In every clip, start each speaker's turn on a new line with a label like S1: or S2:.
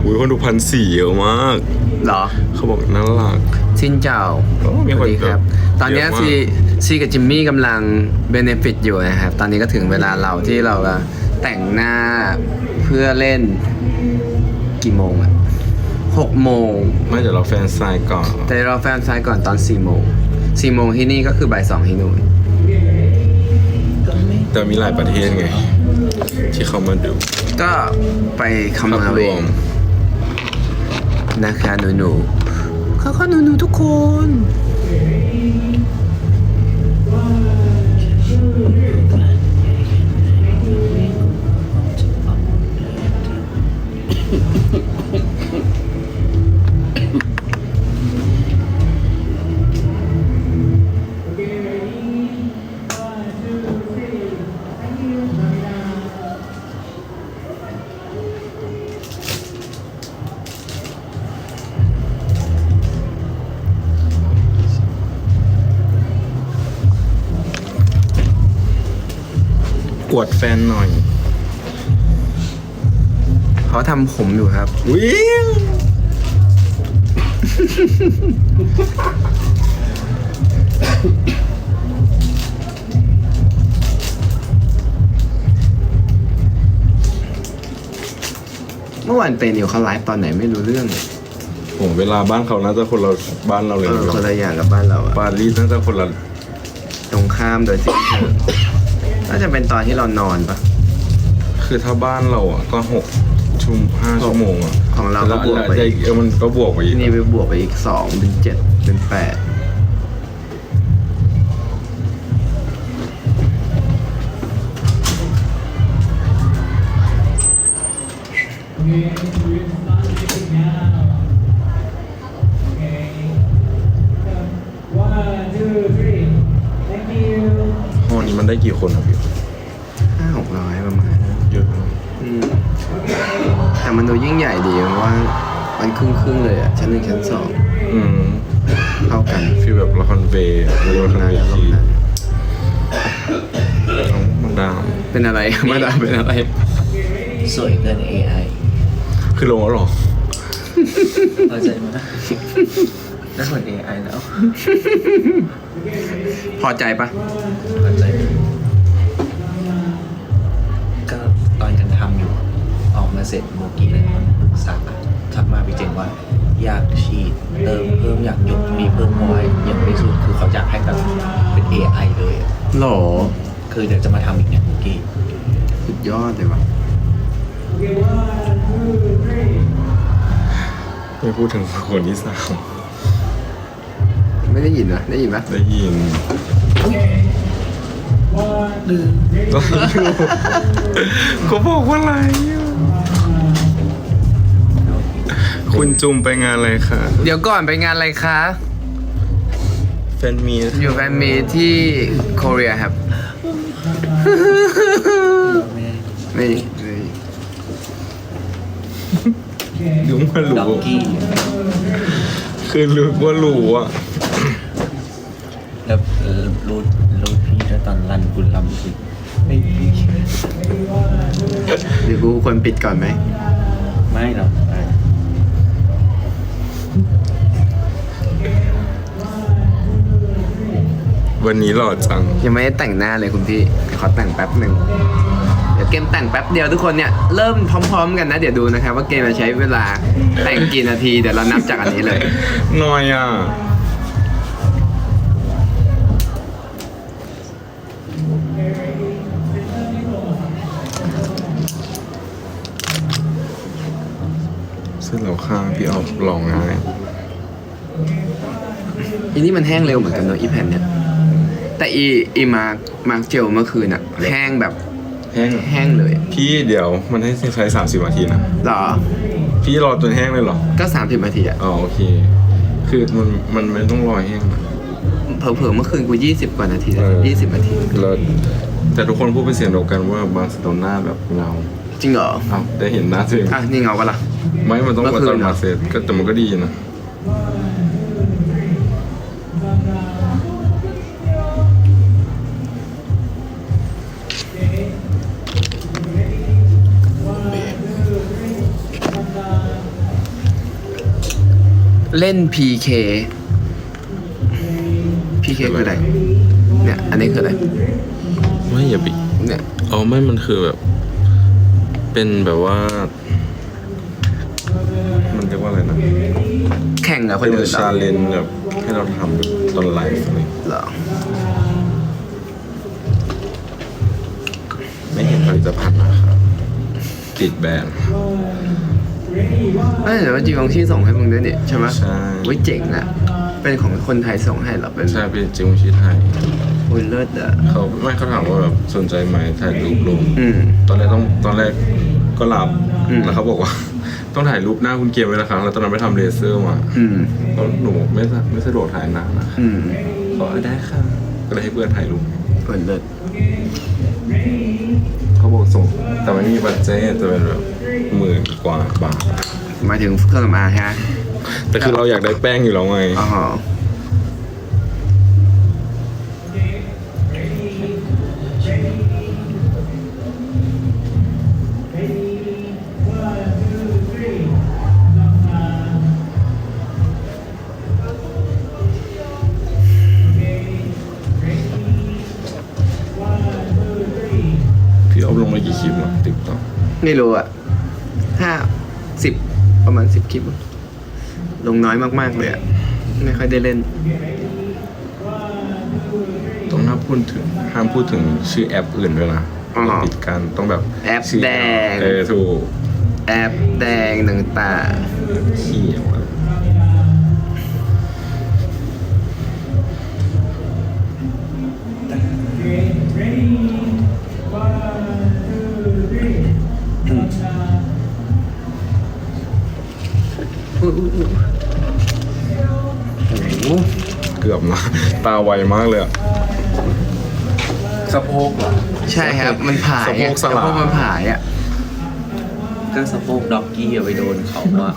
S1: อุ้ยคนดู1,400เยอะมาก
S2: เหรอ
S1: เขาบอกน่ารัก
S2: ชินเจ้า
S1: มี
S2: ส
S1: คน
S2: วัสดีครับ ตอนนี้
S1: เยอะมาก
S2: ซีกับจิมมี่กำลังเบเนฟิตอยู่นะครับ ตอนนี้ก็ถึงเวลาเราที่เราจะแต่งหน้าเพื่อเล่นกี่โมงอะ6 โมง
S1: ไม่เดี๋ยวเราแฟนไซน์ก่อน
S2: แต่เราแฟนไซน์ก่อนตอน4 โมง4 โมงที่นี่ก็คือบ่าย 2ที่นู่น
S1: แต่มีหลายประเทศไง ที่เขามาดู
S2: ก็ไปคำนวณเอา
S1: ร
S2: เอ
S1: ว
S2: ง
S1: ม
S2: นะคะหนูๆเขาหนูๆทุกคน
S1: กวดแฟนหน่อย
S2: เขาทำผมอยู่ครับ
S1: วิ่ง
S2: เมื่อวานเป็นอยู่เขาไลฟ์ตอนไหนไม่รู้เรื่องเลย
S1: ผมเวลาบ้านเขาน่าจะคนละบ้านเราเลย
S2: คนละอย่างกับบ้านเราอะ
S1: ปารีสน่าจะคนละ
S2: ตรงข้ามโดยสิ้นเชิงน่าจะเป็นตอนที่เรานอนปะ
S1: คือถ้าบ้านเราอ่ะก็5 ชั่วโมงอ่ะ
S2: ของเราก็
S1: แล้ว
S2: บวกไป
S1: มันก็บวกไปอีก
S2: ที่นี่ไปบวกไปอีก2เป็น7เป็น8
S1: ห้องนี้มันได้กี่คนครับพี่
S2: 500-600ประมาณ
S1: เยอะมาก
S2: แต่มันดูยิ่งใหญ่ดีเพราะว่ามันครึ่งเลยอะชั้น 1 ชั้น
S1: อืม
S2: 2เท่ากัน
S1: ฟีลแบบละครเวย์ละครเวที
S2: นั้น
S1: น้องมาดาม
S2: เป็นอะไร มาดามเป็นอะไร
S3: สวยเกิน AI
S1: คือลงแล้วเหรอ
S3: เข้าใจไหมน่าเหมือน AI แล้ว
S2: พอใจปะ
S3: เข้าใจก็ตอนกันทำอยู่ ออกมาเสร็จโมกี้เลยปรึกษาทักมาพี่เจงว่า อยากฉีดเติมเพิ่มอยากยกมีเพิ่มมอยอย่างไม่สุดคือเขาอยากให้แบบเป็น AI เลยอะ
S2: หรอ
S3: คือเดี๋ยวจะมาทำอีกเนี่ยโมกี้
S2: สุดยอดเลยวะ
S1: ไม่พูดถึงคนที่3
S2: ไม่ได้ยินนะได้ยินปะ
S1: ได้ยิน
S3: ลืม
S1: ก็บอกว่าอะไรอ่ะคุณจุมไปงานอะไรคะ
S2: เดี๋ยวก่อนไปงานอะไรคะ
S1: แฟนมีต
S2: อยู่แฟนมีที่เกาหลีครับ
S3: แม่
S2: นี่
S1: ดูว่า
S3: ด็อก
S1: รู้
S3: กี้
S1: คือรู้ว่ารู้อ่ะ
S3: แล้วรูดพี่แล้วตอนรันคุณลำคือไม่ดี
S2: เดี๋ยวกูควรปิดก่อนไหม
S3: ไม่หรอก
S1: วันนี้หล่อจัง
S2: ยังไม่ได้แต่งหน้าเลยคุณพี่เดี๋ยวขอแต่งแป๊บหนึ่งเดี๋ยวเกมแต่งแป๊บเดียวทุกคนเนี่ยเริ่มพร้อมๆกันนะ เดี๋ยวดูนะครับว่าเกมจะใช้เวลาแต่งกี่นาทีเดี๋ยวเรานับจากอันนี้เลย
S1: หน่อยอ่ะ เสร็จแล้วค่ะพี่เอาลองง่าย
S2: อีนี่มันแห้งเร็วเหมือนกันเนอะอีแผ่นเนี่ยแต่อีมาร์กเจลเมื่อคืนอะแห้งแบบ
S1: แห้ง
S2: แห้งเลย
S1: พี่เดี๋ยวมันให้ใช้30 นาทีนะ
S2: เหรอ
S1: พี่รอจนแห้งเลยเหรอ
S2: ก็30 นาทีอะ
S1: อ๋อโอเค คือมันไม่ต้องรอแห้งนะ
S2: เผลอๆเมื่อคืนกู20 กว่านาที
S1: เออ
S2: 20 นาที
S1: แล้วแต่ทุกคนพูดเป็นเสียงเดียวกันว่าบาร์เซโลนาแบบเงา
S2: จริงเหรอ
S1: เอ้าได้เห็นหน้าตัวเอง
S2: อ่ะนี่เงาปะล่ะ
S1: ไม่มันต้อง
S2: เมื่
S1: มา
S2: อคื
S1: ตอน
S2: นเหรอ
S1: มาเซตก็แต่มันก็ดีนะ
S2: เล่น PK PK คืออะไรเนี่ยอันนี้คืออะไร
S1: ไม่อย่าไป
S2: เนี่ย
S1: เอาไม่มันคือแบบ เป็นแบบว่า มันเรียกว่าอะไรนะ
S2: แข่งกับค
S1: เป็น น
S2: อื่นเหร
S1: ชา
S2: อ
S1: เลนจ์แบบให้เราทำแบบตอนไลฟ์อะไร
S2: เหรอ
S1: ไม่เห็นผลิตภัณฑ์นะครับ ติดแบน
S2: ไม่แต่ว่าจีวองชี่ส่งให้มึงด้วยเนี่ยใช่ไหม
S1: ใช่
S2: เว้ยเจ๋งอ่ะเป็นของคนไทยส่งให้เหรอเป็น
S1: ใช่เป็นจิวชีไทย
S2: โอ้ยเลิศอ่ะ
S1: เขาถามว่าแบบสนใจไหมถ่ายรูปลง
S2: อืม
S1: ตอนแรกก็หลับ
S2: อืม
S1: แล้วเขาบอกว่า ต้องถ่ายรูปหน้าคุณเกมไว้นะครับแล้วตอนนั้นไปทำเลเซอร์มา
S2: อืม
S1: เพราะหนูไม่สะดวกถ่ายหน้านะ
S2: อืม
S1: ขอได้ค่ะก็เลยให้เพื่อนถ่ายรูป
S2: โอ้ยเลิศ
S1: เขาบอกส่งแต่ไม่มีบัตเจ็ตจะเป็นแบบ10,000 กว่าบาท
S2: หมายถึงเครื่องสำอางฮะ
S1: แต่คือเราอยากได้แป้งอยู่แล้วไง
S2: อ๋อ
S1: พี่เอาลงมากี่คลิปอะติ๊กต็อก
S2: ไม่รู้อ่ะประมาณ10 คลิป ลงน้อยมากๆเลยอ่ะ ไม่ค่อยได้เล่น
S1: ต้องห้ามพูดถึงชื่อแอปอื่นด้วยนะ
S2: อ๋อ
S1: เราปิดกันต้องแบบ
S2: แอป
S1: ชื่
S2: แดง
S1: ถูก
S2: แอปแดงต่าง
S1: เขียวอะ
S2: ๆอุ๊ยอุ๊ยอุ๊ยโอ้โห
S1: เกือบนะ ตาไวมากเลยอะ
S3: สะโพกเหรอ
S2: ใช่ครับ มันผาย
S1: สะโพกสลา
S2: สะโพกมันผายอ่ะ
S3: ก็สะโพกด็อกกี้อะไปโดนเขาว่า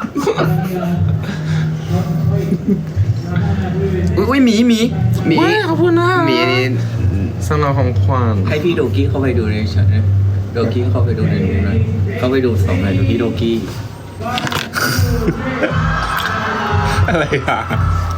S2: อุ้ยหมีขอบคุณนะหมีนี่
S1: สำหรับของขวัญ
S3: ให้พี่โดกี้เข้าไปดูในฉันนะโดกี้เข้าไปดูในนู้นนะเข้าไปดู2 ในโดกี้ อะไรอ่ะ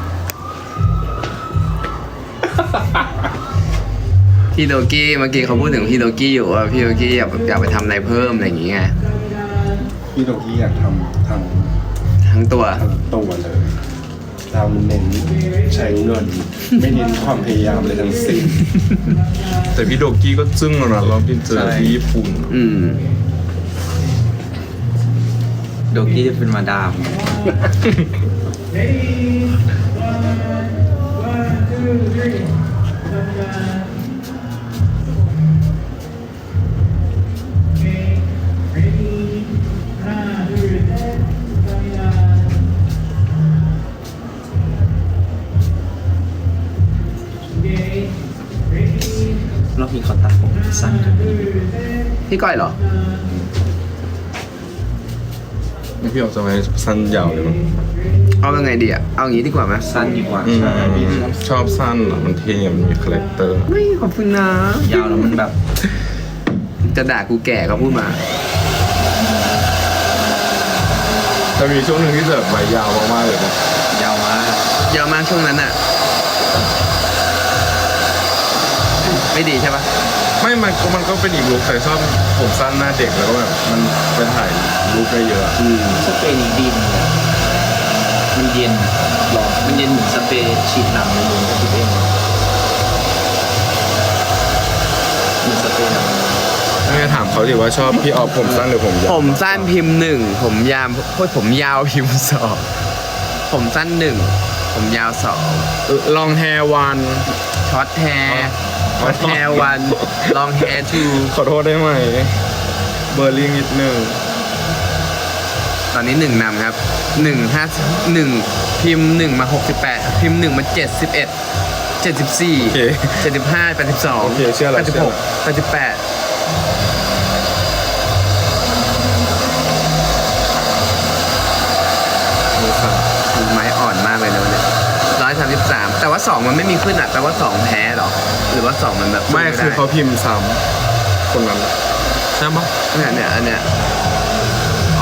S2: พี่โดกี้เมื่อกี้เขาพูดถึงพี่โดกี้อยู่ว่าพี่โดกี้อยากไปทำอะไรเพิ่มอะไรอย่างเงี้ย
S4: พี่โดกี้อยากทำทั้ง
S2: ทั้งตัว
S4: ตัวเลย เราเน้นใช้เงิน ไม่เน้นความพยายามเลยทั้งสิ้น
S1: แต่พี่โดกี้ก็จึ้งแล้วนะเราไปเจอที่ญี่ปุ่น
S2: อืม
S3: โดกี้จะเป็นมาดาม รอบนี้เขาตัดผมสั้นกัน
S2: พี่ก้อยเหรอ
S1: นี่พี่ออกจะไว้สั้นยาวเลยมั้ง
S2: เอายังไงดีอ่ะ เอาอย่างงี้ดีกว่าไหม
S3: สั้นดีกว่า
S1: อืมชอบสั้นอะมันเท่มันมีคาแรคเตอร์
S2: ไม่ขอบคุณนะ
S3: ยาวแล้วมันแบบ
S2: จะด่ากูแก่ก็พูดมา
S1: แต่มีช่วงหนึ่งที่แบบใบยาวมากๆเลยนะ
S3: ยาวมาก
S2: เยอะมากช่วงนั้นอ่ะ ไม่ดีใช่ปะ
S1: ไม่มันก็เป็นอีกลุคแต่ชอบผมสั้นหน้าเด็กแล้วก็แบบมันไปถ่ายรูปได้เยอะ
S2: อืม
S3: สเปรย์นี้ดีมากมันเย็นหรอมันเย็นเหมือนสเปรย์ฉีดน้ำในมือก็คิดเองเหมือนสเปรย์น้ำ
S1: ไม่ถามเขาดิว่าชอบพี่ออฟผมสั้นหรือผมยาว
S2: ผมสั้นพิมพ์ 1 ผมยาวผมยาวพิมพ์ 2 ผมสั้น 1 ผมยาว
S1: ลองแฮร์วัน
S2: 2ช็อตแฮร์ช็อตแฮร์ 1 ลองแฮร์ 2
S1: ขอโทษได้ไหม เบอร์ลิงนิดนึง
S2: ตอนนี้1นำครับ1พิมพ์ 1 มา 68 พิมพ์ 1 มา 71 74
S1: โอเค
S2: 75 82
S1: โอเคเชื่อแล้วเชื่อแล้ว
S2: 86 88ไม้อ่อนมากเลยนะวันนี้133 แต่ว่า 2 มันไม่มีขึ้นอ่ะแปลว่า 2 แพ้เหรอ หรือว่า 2 มันแบบ
S1: ไม่คือเขาพิมพ์ซ้ำคนนั้นใช่ปะ
S2: เนี่ยอันเนี้ย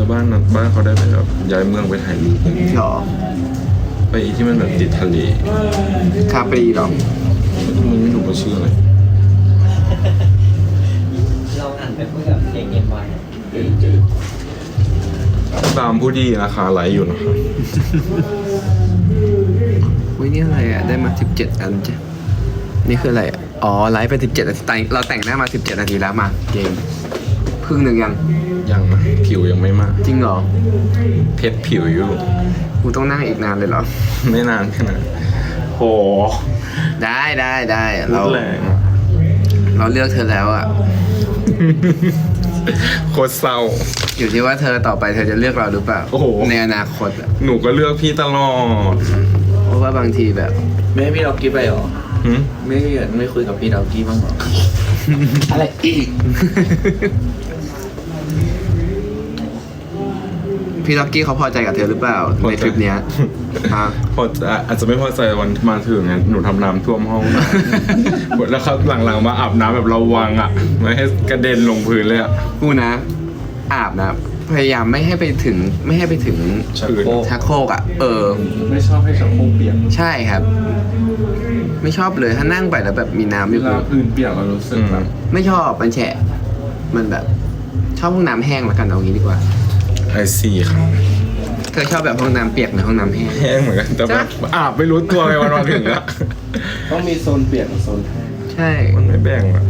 S1: แต่บ้านเขาได้ไปแบบย้ายเมืองไปถ่ายรูป
S2: หรอ
S1: ไปอีที่มันแบบติดทะเล
S2: คาปรีหรอ
S1: มันไม่รู้ว่าชื่ออะไร
S5: เราอ่านไปเพื่อแบบเย็นๆไว้
S1: ตามผู้ดีราคาไหลอยู่นะครับ
S2: อุ้ยนี่อะไรอ่ะ ได้มา 17 อันจ้ะ นี่คืออะไรอ่ะ อ๋อ ไลฟ์ไป 17 นาทีเราแต่งหน้ามา 17 นาทีแล้วมา เกมครึ่งหนึ่งยัง
S1: ยังนะผิวยังไม่มาก
S2: จริงเหรอ
S1: เพชรผิวอยู่
S2: กูต้องนั่งอีกนานเลยเหรอ
S1: ไม่นานแค่นั้นโห
S2: ได้
S1: พู
S2: เรา
S1: ดแรงอะ
S2: เราเลือกเธอแล้วอ่ะ
S1: โคตรเศร้า
S2: อยู่ที่ว่าเธอต่อไปเธอจะเลือกเราหรือเปล่า
S1: โอ้โห
S2: ในอนาคตอ่ะ
S1: หนูก็เลือกพี่ตลอด
S2: เพราะว่าบางทีแบบ
S3: ไม่ให้พี่ดอกกี้ไปหรอ
S1: หึ
S3: ไม่คุยกับพี่ดอกกี้บ้างหรอ
S2: อะไรอีก พี่ล็อกกี้เขาพอใจกับเธอหรือเปล่าในทริปเนี้ยฮะ
S1: พอจะอาจจะไม่พอใจวันมาถึงเนี่ยหนูทำน้ำท่วมห้อง แล้วเขาหลังๆมาอาบน้ำแบบระวังอ่ะ ไม่ให้กระเด็นลงพื้นเลยอ่ะ
S2: กูนะ อาบนะพยายามไม่ให้ไปถึง
S1: ชักโครก
S2: ชักโครกอ่ะ
S4: ไม่ชอบให้ชักโครกเปียก
S2: ใช่ครับ ไม่ชอบเลยถ้านั่งไปแล้วแบบมีน้ำอ
S4: เว
S2: ยู่
S4: ลาพื้นเปียกเรารู้สึกแบบ
S2: ไม่ชอบมันแฉะ มันแบบ ชอบห้องน้ำแห้งละกันเอางี้ดีกว่า
S1: ไอซีครับ
S2: เธอชอบแบบห้องน้ำเปียกหรือห้องน้ำแห้ง
S1: แห้งเหมือนกันแต่แบบอาบไม่รู้ตัวไงวันมาถึงอ่ะ
S4: ต้องมีโซนเปียกกับโซนแห้ง
S2: ใช่
S1: มันไม่แบ่งอ่ะ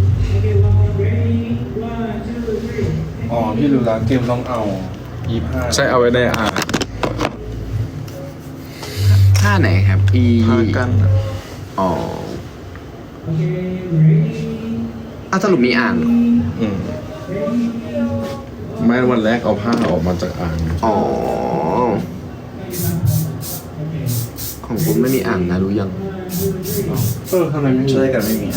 S4: อ๋อพี่รู้แล้วเกมต้องเอา25
S1: ใช่เอาไว้ได้อ่าน
S2: ผ้าไหนครับ
S1: ผ้ากั้นอะ
S2: อ๋อสรุปมีอ่างเหรอ
S1: อืมไม่วันแรกเอาผ้าออกมาจากอ่าง
S2: อ๋อ ของผมไม่มีอ่างนะรู้ยัง
S4: ทำไมไม่มี
S3: ช่วยกันไม่มี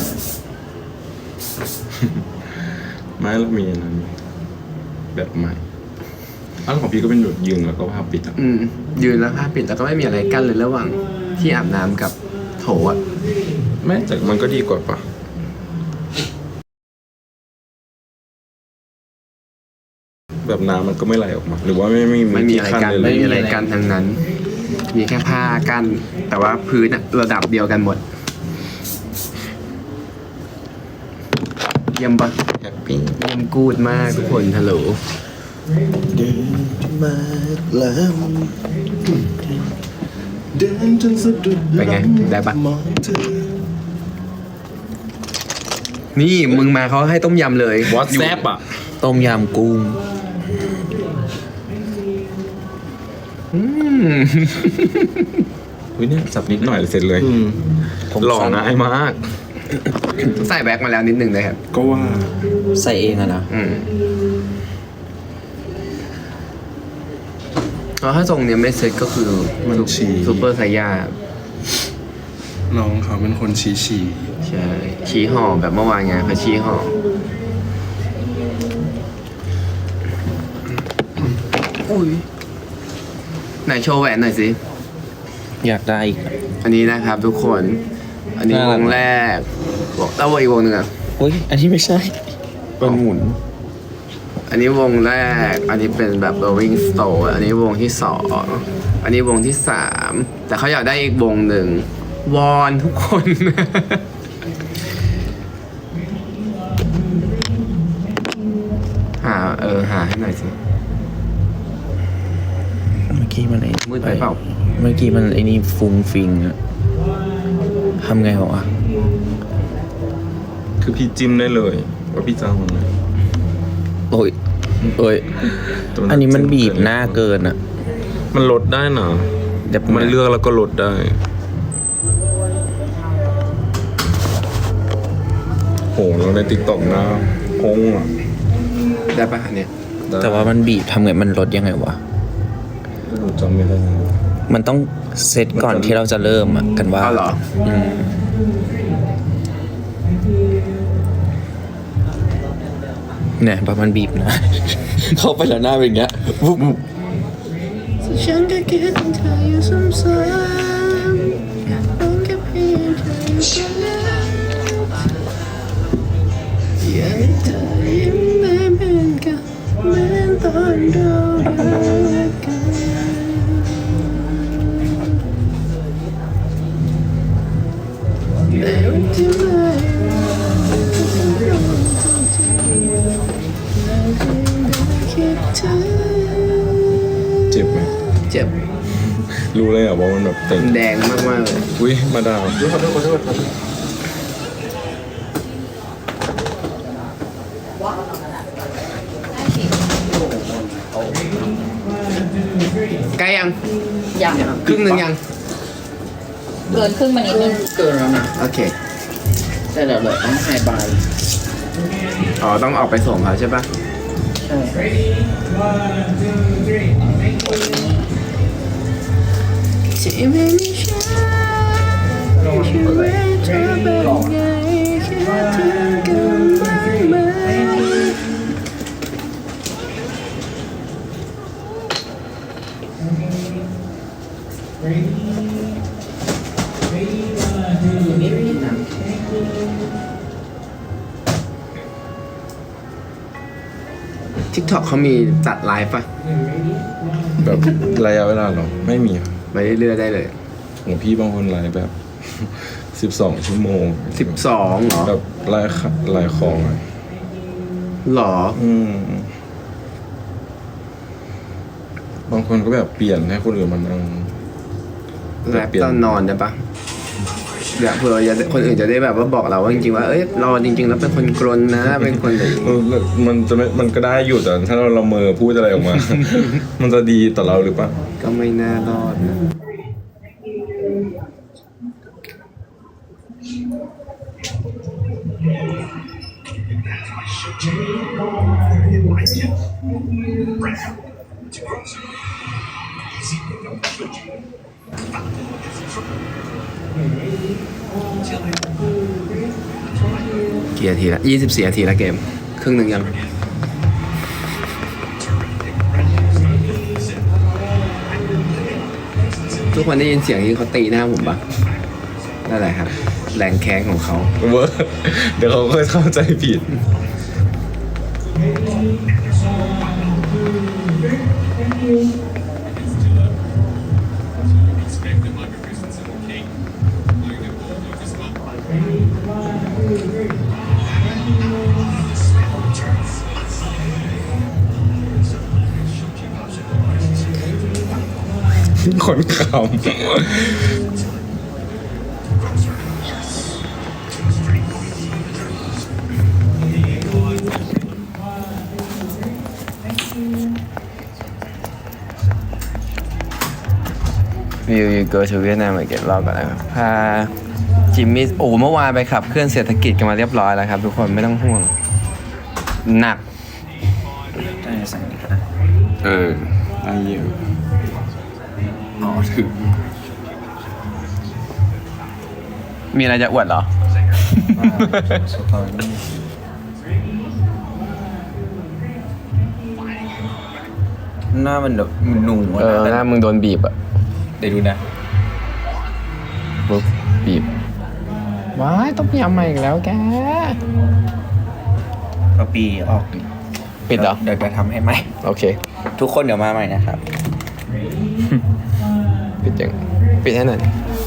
S1: ไม่แล้วมีอันนั้นแบบใหม่อันของพี่ก็เป็นแบบยืนแล้วก็ผ้าปิดอ่ะ
S2: ยืนแล้วผ้าปิดแล้วก็ไม่มีอะไรกั้นเลยระหว่างที่อาบน้ำกับโถอ่ะ
S1: ไม่แต่มันก็ดีกว่าปะแบบน้ำมันก็ไม่ไหลออกมา หรือว่า
S2: ไม่มี
S1: ไม่ที่
S2: อะไร
S1: ขั้น
S2: กั้น
S1: เลย
S2: ไม่มีอะไรกั้นทั้งนั้น มีแค่ผ้ากั้นแต่ว่าพื้นอะระดับเดียวกันหมด เยี่ยมปะ
S1: แฮปปี้
S2: เยี่ยมกูดมากทุกคนฮัลโหล
S4: เดินมาแล้วเดินจนสะดุด
S2: เป็นไงได้ปะ
S4: มองเธอ
S2: นี่มึงมาเขาให้ต้มยำเลยว
S1: อทแซปอ่ะ
S3: ต้มยำกุ้ง
S2: อืม
S1: วิเนี่ยสับนิดหน่อยเสร็จเลย
S3: ผม
S1: หล่อ
S3: สั้น
S1: ง่ายมาก
S2: ใส่แบ็คมาแล้วนิดนึงเลยครับ
S4: ก็ว่า
S3: ใส่เองอะนะ
S2: แล้วถ้าทรงเนี้ยไม่เซ็ตก็คือ
S4: มันฉี่
S2: ซูเปอร์ไซย่า
S4: น้องเขาเป็นคนชี้
S2: ใช่ชี้ห่อแบบเมื่อวานไงเขาชี้ห่ออุ้ยไหนโชว์แหวนหน่อยสิ
S3: อยากได้อีก
S2: อันนี้นะครับทุกคน อันนี้
S3: น่าว รัก
S2: งแรกแล้วอีกวงหนึ่งอ่ะ
S3: อุ้ยอันนี้ไม่ใช่เป็นหมุน
S2: อันนี้วงแรก อันนี้เป็นแบบ Rolling Stone อันนี้วงที่สองอันนี้วงที่สามแต่เขาอยากได้อีกวงหนึ่งวอนทุกคน หาให้หน่อยสิ
S3: เมื่อกี้มันไอ้
S2: มืดไปเปล่า
S3: เมื่อกี้มันไอ้นี่ฟุ้งฟิงอะทำไงวะ
S1: คือพี่จิ้มได้เลย ว่าพี่จะเอามันไหน
S3: โอ้ยเอ้ย
S1: แต่
S3: อันนี้มันบีบหน้าเกินอะ
S1: มันลดได้นะ
S3: เดี๋ยว
S1: มันเลือกแล้วก็ลดได้ โหเราในติ๊กต็อกนะพงอ่ะ
S2: ได้ปะอันเนี้ย
S1: ได้
S3: แต่ว่ามันบีบทำไงมันลดยังไงวะ
S1: หนูจำไม่ได้
S3: มันต้องเซตก่อนที่เราจะเริ่มอะกันว่า
S2: เอาเหรอ
S3: เนี่ยประมาณบีบนะ เข้าไปแล้วหน้าเป็นอย่างเงี้ยวุบ
S2: ฉันก็คิดถึงเธออยู่ซ้ำๆต้องแค่เพียงเธออยู่ตรงนั้นอยากให้เธอยิ้มได้เหมือนกันเหมือนตอนเรา
S1: เจ็บไหม
S2: เจ็บ
S1: รู้เลยเหรอว่ามันแบบเต็ม
S2: แดงมากๆเลย
S1: อุ้ยมาดาว
S4: ขอโทษขอโทษขอโทษ
S2: ใกล้ยัง
S5: ยัง
S2: ครึ่งหนึ่งยัง
S5: เกินครึ่งมานิดนึงเกินแล้วนะ
S2: โอเค
S5: แต่เดี๋ยวต้องไฮบาย
S2: อ๋อ ต้องออกไปส่งเขาใช่ปะ
S5: ใช่
S2: ทิกตอกเขามีจัดไลฟ์ปะ
S1: แบบระยะเวลาเหรอไม่มีอะ
S2: ไปเรื่อยๆได้เลย
S1: ของพี่บางคนไลฟ์แบบ 12 ชั่วโมง
S2: 12เหรอ
S1: แบบไลฟ์ของอะ
S2: หรอ
S1: บางคนก็แบบเปลี่ยนให้คนอื่นมานั่ง
S2: แรปตอนนอนได้ปะแบบเผื่อคนอื่นจะได้แบบว่าบอกเราว่าจริงๆว่าเอ้ยเราจริงๆแล้วเป็นคนกรนนะ เป็นคนแบบ
S1: มันจะไม่มันก็ได้อยู่แต่ถ้าเราละเมอพูดอะไรออกมา มันจะดีต่อเราหรือเปล่า
S2: ก็ไม่น่ารอดนะ กี่นาทีละ24 นาทีละเกม ครึ่งหนึ่งยัง ทุกคนได้ยินเสียงที่เขาตีหน้าผมปะนั่นแหละครับ แรงแค้นของเขา
S1: เวอร์เดี๋ยวเขาก็เข้าใจผิด คนขำ
S2: You go to Vietnam อีกรอบก่อนนะครับพาจิมมี่เมื่อวานไปขับเคลื่อนเศรษฐกิจกันมาเรียบร้อยแล้วครับทุกคนไม่ต้องห่วง หนัก
S3: ได้สั่งอีกนะ
S1: ได้เยอะ
S3: อ๋อถึง
S2: มีอะไรจะอวดเหรอ
S3: สุดตอนนี้หน้ามันแบบมันหนูอะ
S2: หน้ามึงโดนบีบอะ
S3: เดี๋ยวดูนะ
S2: ปุ๊บบีบ ว้ายต้องยำมาอีกแล้วแก
S3: เอาปีออกดิ
S2: ปิดเหรอ
S3: เดี๋ยวจะทำให้ใหม่
S2: โอเค
S3: ทุกคนเดี๋ยวมาใหม่นะครับ
S2: ปิดยังปิดให้หน่อย